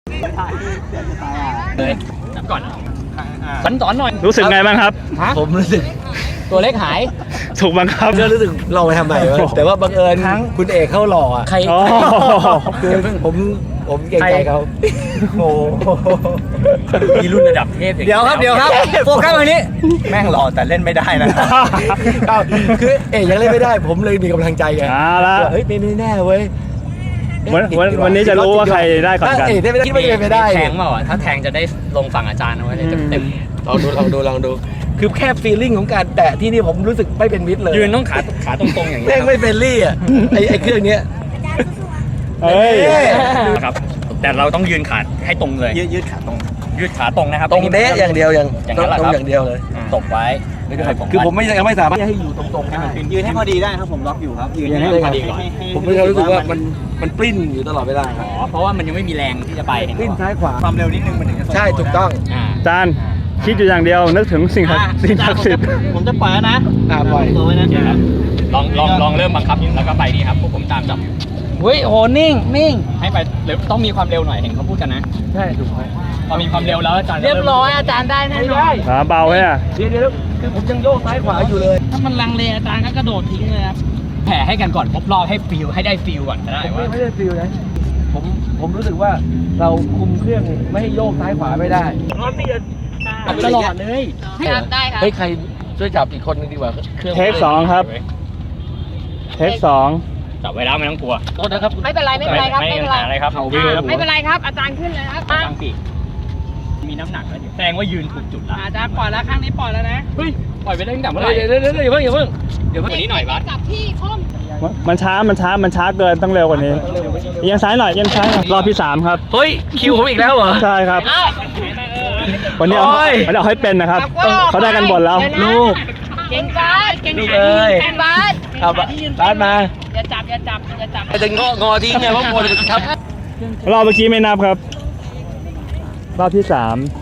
เลยนับก่อนสอนหน่อยรู้สึกไงบ้างครับผมรู้สึกตัวเล็กหายถูกบังคับก็รู้สึกลองไปทำใหม่วะแต่ว่าบังเอิญคุณเอกเข้าหล่ออ่ะใครอ๋อคือผมเกรงใจเขาโอ้มีรุ่นระดับเทพเดี๋ยวครับโฟกัสตรงนี้แม่งหล่อแต่เล่นไม่ได้นะคือเอกยังเล่นไม่ได้ ผมเลยมีกำลังใจไงเอาละเฮ้ยไม่แน่เว้ยวันนี้จะรู้ว่าใครได้ก่อนกันเอกได้ไม่ได้คิดว่าจะเป็นไปได้แทงเปล่าถ้าแทงจะได้ลงฝั่งอาจารย์เอาไว้เลยเต็มลองดูคือแค่ฟีลลิ่งของการแตะที่นี่ผมรู้สึกไม่เป็นมิตรเลยยืนต้องขาตรงๆอย่างนี้แม่งไม่เฟรนลี่อ่ะไอ้เครื่องเนี้ยเฮ้ยครับแต่เราต้องยืนขาให้ตรงเลยยืดขาตรงยืดขาตรงนะครับตรงเดะอย่างเดียวอย่างนั้นแหละตครรังบอย่างเดียวเลยตบไว้คือผมยังไม่สามารถให้อยู่ตรงๆได้ยืนให้พอดีได้ครับผมล็อกอยู่ครับยืนให้พอดีก่อนผมไม่รู้สึกว่ามันปริ้นอยู่ตลอดเวลาอ๋อเพราะว่ามันยังไม่มีแรงที่จะไปปริ้นซ้ายขวาความเร็วนิดนึงมันถึงจะใช่ถูกต้องจานคิดอยู่อย่างเดียวนึกถึงสิ่งศักดิ์สิทธิ์ผมจะปล่อยแล้วนะปล่อยตัวไว้นะลองเริ่มบังคับแล้วก็ไปนี่ครับพวกผมตามจับเฮ้ยโหนิ่งให้ไปต้องมีความเร็วหน่อยเห็นเขาพูดกันนะใช่ถูกไหมพอมีความเร็วแล้วอาจารย์เรียบร้อยอาจารย์ได้แน่นอนขาเบาไหมอ่ะเดี๋ยวคือผมยังโยกซ้ายขวาอยู่เลยถ้ามันลังเลอาจารย์ก็กระโดดทิ้งเลยครับแผ่ให้กันก่อนครบรอบให้ฟิลให้ได้ฟิลก่อนก็ได้ว่าไม่ได้ฟิลนะผมรู้สึกว่าเราคุมเครื่องไม่ให้โยกซ้ายขวาไม่ได้ตลอดเลยได้ค่ะเฮ้ยใครช่วยจับอีกคนนึงดีกว่าเครื่องเทคสองครับเทคสองจับไว้แล้วไม่ต้องกลัวโทษนะครับไม่เป็นไรไม่เป็นไรครับไม่ไม่มีเป็นปัญไรหาอะไรครับไม่เป็นไรครับ อาจารย์ขึ้นเลยครับตั้งปีกมีน้ำหนักแล้วแสดงว่ายืนถูกจุดละอาจารย์ปล่อยแล้วข้างนี้ปล่อยแล้วนะเฮ้ยปล่อยไปได้ตั้งแต่เมื่อไหร่เดี๋ยวอย่าเพิ่งวันนี้หน่อยบัสกับที่คมมันช้าเกินต้องเร็วกว่านี้เอียงซ้ายหน่อยรอบที่3ครับเฮ้ยคิวผมอีกแล้วเหรอใช่ครับ วันนี้เอาให้เป็นนะครับเขาได้กันหมดแล้วลูกเก่งบาสเก่งลูกเอ้ยเก่งบาสเอาบ้านมาอย่าจับจะงอทิ้งไงเพราะกลัวจะทับรอบเมื่อกี้ไม่นับครับ รอบที่3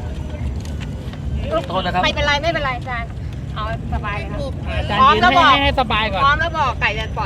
โทษนะครับไม่เป็นไรอาจารย์เอาสบายเลยครับอาจารพร้อมย์ยืนแล้วบอกให้สบายก่อนพร้อมแล้วบอกไก่จะปล่อย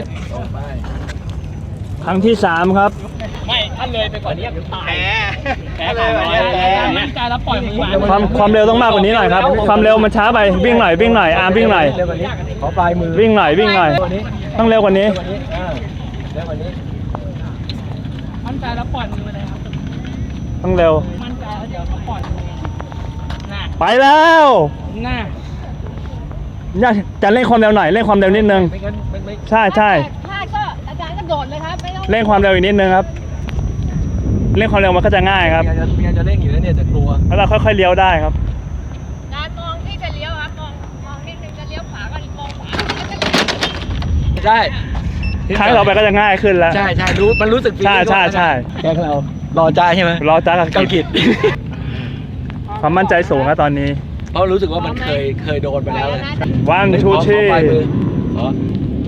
ครั้งที่3ครับไม่ถ้าเลยไปก่อนนี้ตายแพ้เลยวันนี้แพ้มั่นใจแล้วปล่อยมือมาความเร็วต้องมากกว่านี้หน่อยครับ ความเร็วมันช้าไปวิ่งหน่อยอาร์มวิ่งหน่อยเร็วกว่านี้ขอปลายมือวิ่งหน่อยต้องเร็วกว่านี้เร็วกว่านี้มั่นใจแล้วปล่อยมือเลยครับต้องเร็วมั่นใจแล้วเดี๋ยวเขาปล่อยมือน่ะไปแล้วน่ะจะเร่งความเร็วหน่อยเร่งความเร็วนิดนึงไม่งั้นไม่ใช่ถ้าก็อาจารย์ก็โดดเลยครับไม่ต้องเร่งความเร็วอีกนิดนึงครับเร่งความเร็วมันก็จะง่ายครับเมียจะเร่งอยู่แล้วเนี่ยแต่กลัวแล้วเราค่อยๆเลี้ยวได้ครับการมองที่จะเลี้ยวครับมองนิดนึงจะเลี้ยวขวาก็มองขวาใช่ครั้งต่อไปก็จะง่ายขึ้นแล้วใช่รู้มันรู้สึกใช่แกงเรารอจ้าใช่ไหมรอจ้ากับเกากิดความมั่นใจสูงนะตอนนี้เพราะรู้สึกว่ามันเคยโดนไปแล้วเลย one two ขอ three ปลายมือขอ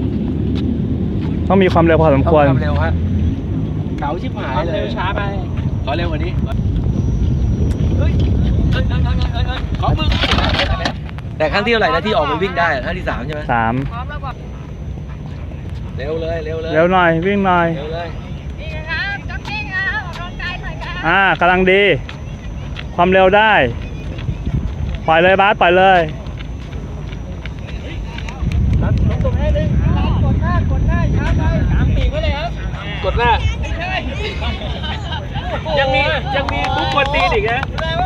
ต้องมีความเร็วพอสมควรเร็วฮะเก๋าชิบหายเลยเร็วช้าไปขอเร็วกว่านี้ขอมือแต่ครั้งที่เท่าไหร่นะที่ออกไปวิ่งได้ครั้งที่3ใช่ไหม 3 พร้อมแล้วบอกเร็วเลยเร็วหน่อยวิ่งหน่อยเร็วเลยนี่นะครับจ็อกกิ้งครับออกกำลังกายหน่อยครับกำลังดี ความเร็วได้ ปล่อยเลยบาสปล่อยเลยกดหน้ายังมีทุกคนตีอีกนะ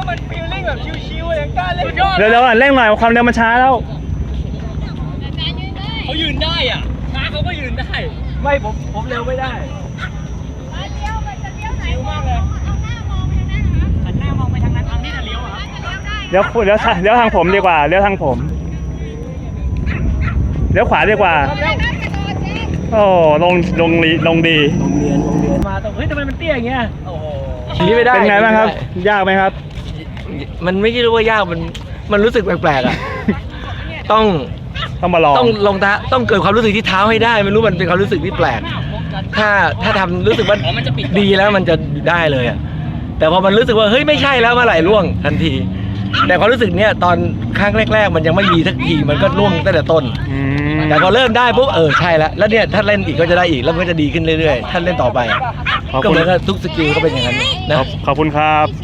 เร็วๆหน่อยเร่งหน่อยความเร็วมันช้าแล้วอาจารย์ยืนได้เขายืนได้อ่ะช้าเขาก็ยืนได้ไม่ผมเร็วไม่ได้เลี้ยวมันจะเลี้ยวไหนมากเลยเอาหน้ามองไปทางนั้นครับหันหน้ามองไปทางนั้นทางที่จะเลี้ยวอ่ะเลี้ยวได้เลี้ยวทางผมดีกว่าเลี้ยวทางผมเลี้ยวขวาดีกว่าได้ครับกระโดดเจ๊โอ้ลงดีโรงเรียนมาตรงเฮ้ยทำไมมันเตี้ยอย่างเงี้ยโอ้โหนี่ไม่ได้เป็นไงบ้างครับ ยากไหมครับมันไม่ใช่รู้ว่ายากมันรู้สึกแปลกๆอ่ะต้องต้องมาลองต้องลงเท้าต้องเกิดความรู้สึกที่เท้าให้ได้ไม่รู้มันเป็นความรู้สึกที่แปลก ถ้าทำรู้สึกว่าดีแล้วมันจะได้เลยอ่ะแต่พอมันรู้สึกว่าเฮ้ยไม่ใช่แล้วเมื่อไหร่ล่วงทันที แต่ความรู้สึกเนี้ยตอนครั้งแรกๆมันยังไม่มีสักทีมันก็ล่วงตั้งแต่ต้นอืมแต่พอเริ่มได้ปุ๊บใช่แล้วเนี่ยถ้าเล่นอีกก็จะได้อีกแล้วมันก็จะดีขึ้นเรื่อยๆถ้าเล่นต่อไปก็เหมือนกับทุกสกิลก็เป็นอย่างนั้นนะขอบคุณครับ